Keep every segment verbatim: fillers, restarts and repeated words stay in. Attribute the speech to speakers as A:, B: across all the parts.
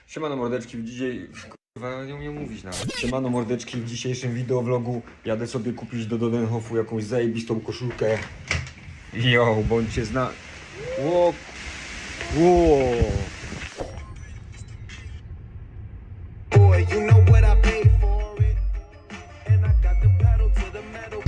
A: Siemano mordeczki, w dzisiaj... Kurwa, nie umiem mówić nawet. Siemano mordeczki, w dzisiejszym wideovlogu jadę sobie kupić do Dodenhofu jakąś zajebistą koszulkę. Jo, bądźcie zna... Ło... Ło...
B: Boy, you know what I paid for it, and I got the pedal to the metal.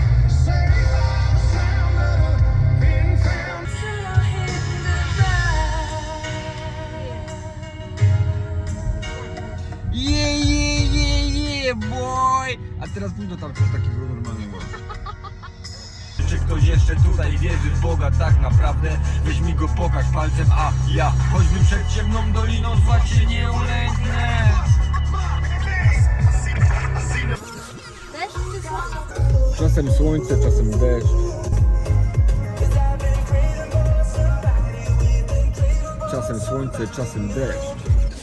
A: Yeah, yeah, yeah, yeah, boy! A teraz pójdę tam coś takiego normalnego. Czy ktoś jeszcze tutaj wierzy w Boga tak naprawdę? Weź mi go pokaż palcem, a ja choćbym przed ciemną doliną zła się nie ulęknę.
C: Deszcz czy słońce?
A: Czasem słońce, czasem deszcz. Czasem słońce, czasem deszcz.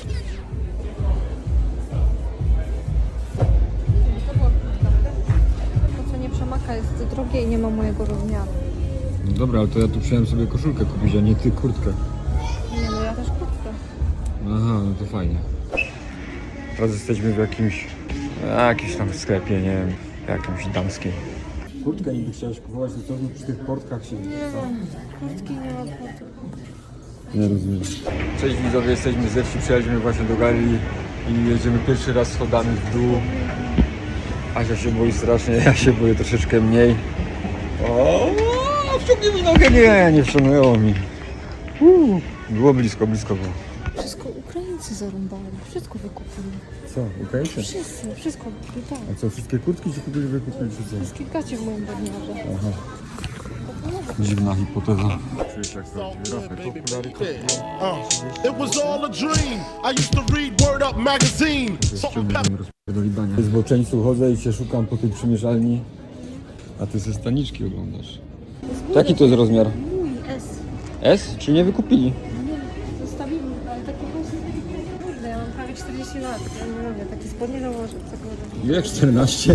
C: To co nie przemaka jest drogie i nie ma mojego rozmiaru.
A: No dobra, ale to ja tu przyjąłem sobie koszulkę kupić, a nie ty kurtkę.
C: Nie no, ja też kurtkę.
A: Aha, no to fajnie. Teraz jesteśmy w jakimś, jakimś tam sklepie, nie wiem, jakimś damskim. Kurtkę niby chciałeś kupować, to co przy tych portkach się...
C: Nie mam kurtki, nie ma kurtki.
A: Nie rozumiem. Cześć widzowie, jesteśmy ze wsi, przyjechaliśmy właśnie do galerii i jedziemy pierwszy raz schodami w dół. Asia się boi strasznie, ja się boję troszeczkę mniej. O, wciągnij mi nogę, nie, nie wciągnęło mi. Uu, było blisko, blisko było.
C: Wszystko Ukraińcy zarąbali, wszystko wykupili.
A: Co, Ukraińcy?
C: Wszyscy, wszystko wykupili, tak.
A: A co, wszystkie kurtki ci kupili, wykupili czy co?
C: Wszystkie gacie w moim badniarze.
A: Aha. Dziwna hipoteza. Czujesz jak prawdziwy raper, okulary
D: Uh, it was all a dream. I used to read Word Up magazine. Something
A: kosztuje. Zboczeńcu chodzę i cię szukam po tej przymierzalni. A ty ze staniczki oglądasz. Jaki to jest rozmiar?
C: Mój S.
A: S? Czy nie wykupili?
C: No nie, zostawili, ale takie kosy. Kurde, ja mam prawie czterdzieści lat. Ja nie mówię, takie spodnie założę.
A: Ile? czternaście?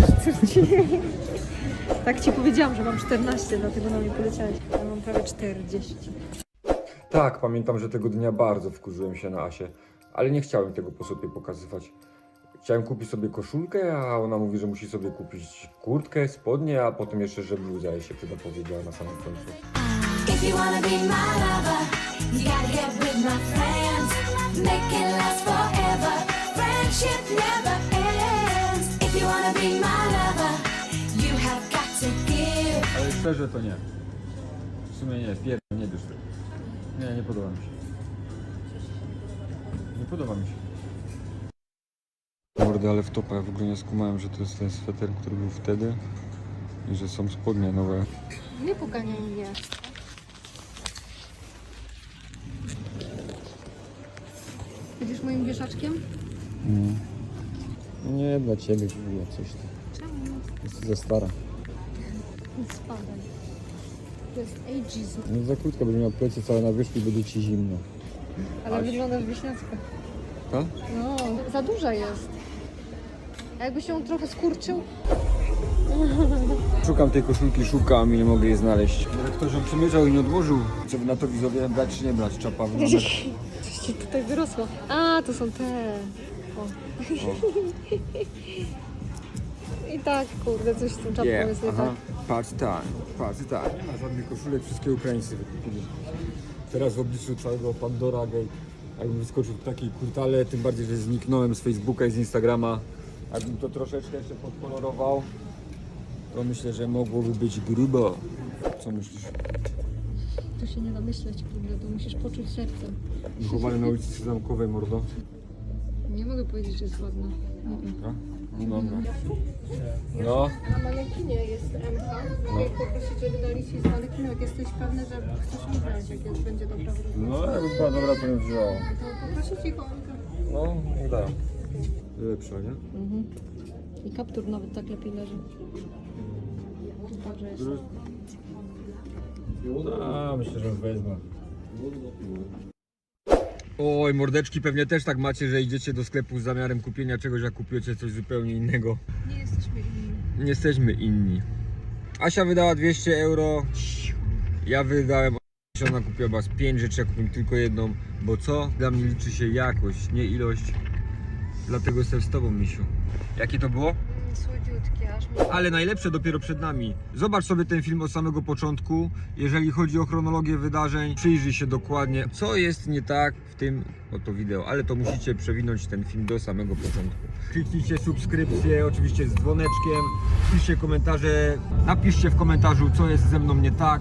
C: Tak ci powiedziałam, że mam czternaście, dlatego na mnie poleciałeś. Ja mam prawie czterdzieści.
A: Tak, pamiętam, że tego dnia bardzo wkurzyłem się na Asię, ale nie chciałem tego po sobie pokazywać. Chciałem kupić sobie koszulkę, a ona mówi, że musi sobie kupić kurtkę, spodnie, a potem jeszcze, że bluza jej się przyda, powiedziała na samym końcu.
E: If you wanna be my lover, you gotta get with my friends. Make it last forever. Friendship never ends. If you wanna be my lover, you have got to give.
A: Ale szczerze to nie. W sumie nie, pier... nie bierz tego. Nie, nie podoba mi się. Nie podoba mi się. Mordy, ale w topa, ja w ogóle nie skumałem, że to jest ten sweter, który był wtedy i że są spodnie nowe.
C: Nie poganiaj mnie. Będziesz moim wieszaczkiem?
A: Mm. Nie, dla ciebie było coś tam.
C: Czemu?
A: Jest za stara.
C: Spadaj. To jest ageism.
A: No za krótko, będzie miał plecy całe na wierzchu i będzie ci zimno.
C: Ale
A: Aś.
C: wyglądasz wieśniacko.
A: Tak?
C: No, za duża jest. A jakby się trochę skurczył?
A: Szukam tej koszulki, szukam i nie mogę jej znaleźć. Ale ktoś ją przymierzał i nie odłożył. Co wy na to widzowie, brać czy nie brać? Czapa wygląda.
C: Coś ci tutaj wyrosło. A, to są te. O. I tak, kurde, coś z tą czapką
A: Yeah,
C: jest nie
A: aha.
C: tak.
A: Patrz tak, patrz tak. Nie ma żadnych koszulek, wszystkie Ukraińcy wykupili. Teraz w obliczu całego Pandora Gate, jakbym wyskoczył w takiej kurtale, tym bardziej, że zniknąłem z Facebooka i z Instagrama. Jakbym to troszeczkę jeszcze podkolorował, to myślę, że mogłoby być grubo. Co myślisz?
C: Tu się nie da myśleć, kurde, to musisz poczuć sercem.
A: Wychowany na ulicy Zamkowej, mordo.
C: Nie mogę powiedzieć, że jest ładna.
A: A? No dobra. No.
C: Na manekinie jest M K. Mogę poprosić, żeby dali ci z manekinu, jak jesteś pewny, że chcesz mi brać, jak jest, będzie dobra wróżba.
A: No, jakby była dobra, to bym wzięła.
C: To poprosić ich o M K.
A: No, nie dają. Lepsza, nie?
C: Mhm. I kaptur nawet tak lepiej leży. Dobrze jest.
A: A, myślę, że wezmę. Oj, mordeczki, pewnie też tak macie, że idziecie do sklepu z zamiarem kupienia czegoś, a kupujecie coś zupełnie innego.
C: Nie jesteśmy inni.
A: Nie jesteśmy inni. Asia wydała dwieście euro, ja wydałem, ona kupiła was pięć rzeczy, ja kupiłem tylko jedną, bo co? Dla mnie liczy się jakość, nie ilość. Dlatego jestem z tobą, misiu. Jakie to było?
C: Słodziutkie, aż mi...
A: Ale najlepsze dopiero przed nami. Zobacz sobie ten film od samego początku. Jeżeli chodzi o chronologię wydarzeń, przyjrzyj się dokładnie, co jest nie tak w tym oto wideo. Ale to musicie przewinąć ten film do samego początku. Kliknijcie subskrypcję, oczywiście z dzwoneczkiem. Piszcie komentarze. Napiszcie w komentarzu, co jest ze mną nie tak.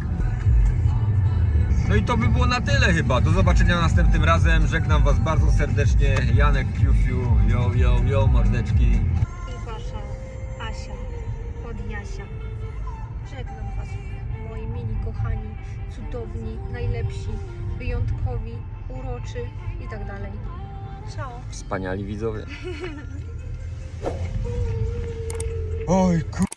A: No i to by było na tyle chyba. Do zobaczenia następnym razem. Żegnam was bardzo serdecznie. Janek Fiu Fiu. Yo, yo, yo, mordeczki.
C: I wasza Asia od Jasia. Żegnam was, moi mili kochani, cudowni, najlepsi, wyjątkowi, uroczy i tak dalej. Ciao.
A: Wspaniali widzowie. Oj, kur...